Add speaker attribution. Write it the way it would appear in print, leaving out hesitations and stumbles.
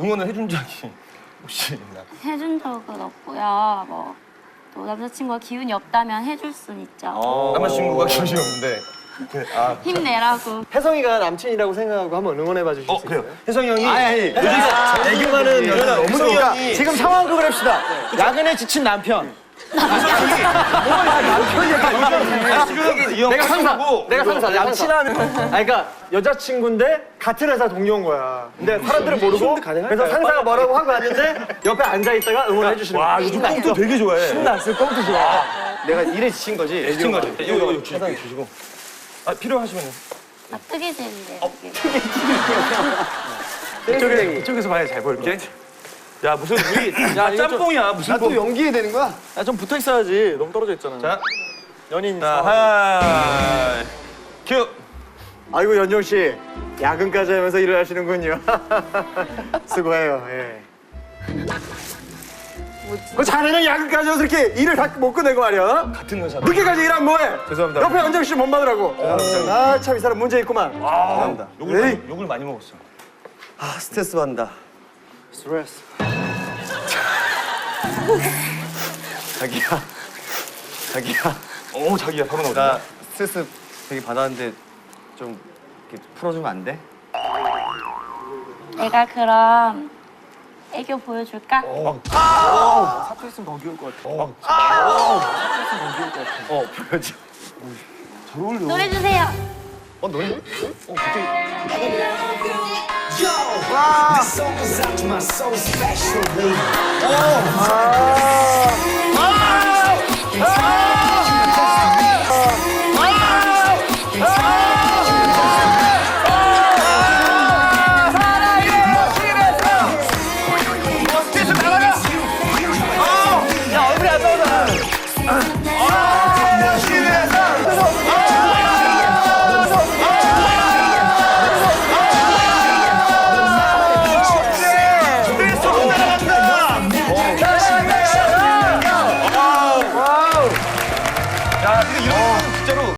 Speaker 1: 응원을 해준 적이 혹시 있나?
Speaker 2: 해준 적은 없고요. 뭐 또 남자친구가 기운이 없다면 해줄 순 있죠.
Speaker 1: 남자친구가 기억이 없는데.
Speaker 2: 힘내라고.
Speaker 3: 혜성이가 남친이라고 생각하고 한번 응원해봐 주실 수 있어요?
Speaker 1: 그래요. 혜성이 형이
Speaker 3: 애교 많은 여자 너무
Speaker 1: 혜성이
Speaker 3: 좋으니까
Speaker 1: 형이
Speaker 3: 지금 상황극을 합시다. 야근에 지친 남편. 내가 상사. 남친하면. 그러니까 여자친구인데 같은 회사 동료인 거야. 근데 사람들은 모르고 그래서 상사가 뭐라고 하고 왔는데 옆에 앉아 있다가 응원해 주시는 거야.
Speaker 1: 와, 요즘 꽁트 되게 좋아해.
Speaker 3: 신났어. 꽁트 좋아. 내가 일에 지친 거지.
Speaker 1: 미친 거지. 이거 주시고. 필요하시면.
Speaker 2: 뜨개질인데.
Speaker 1: 이쪽에서 봐야 잘 보일게. 야, 무슨 우리 짬뽕이야. 무슨
Speaker 3: 또 연기해야 되는 거야?
Speaker 4: 좀 붙어 있어야지. 너무 떨어져 있잖아.
Speaker 1: 자,
Speaker 3: 연인.
Speaker 1: 자, 하이. 큐.
Speaker 3: 아이고 연정 씨 야근까지 하면서 일을 하시는군요. 수고해요. 예. 그 자네는 야근까지 해서 이렇게 일을 다 못 끝내고 말이야.
Speaker 1: 같은 회사.
Speaker 3: 늦게까지 일하면 뭐해?
Speaker 1: 죄송합니다.
Speaker 3: 옆에 연정 씨 못 받으라고. 아 참 이 사람 문제 있구만.
Speaker 1: 죄송합니다.
Speaker 3: 에이.
Speaker 1: 욕을 많이 먹었어.
Speaker 4: 아, 스트레스 받는다.
Speaker 3: 스트레스.
Speaker 4: 자기야.
Speaker 1: 오, 자기야, 바로 나오자.
Speaker 4: 나 스트레스 되게 받았는데 좀 이렇게 풀어주면 안 돼?
Speaker 2: 내가 그럼 애교 보여줄까?
Speaker 4: 사투 있으면 더 귀여울 것 같아. 보여줘.
Speaker 2: 노래 주세요.
Speaker 1: 노래?
Speaker 5: This song goes out to my soul especially.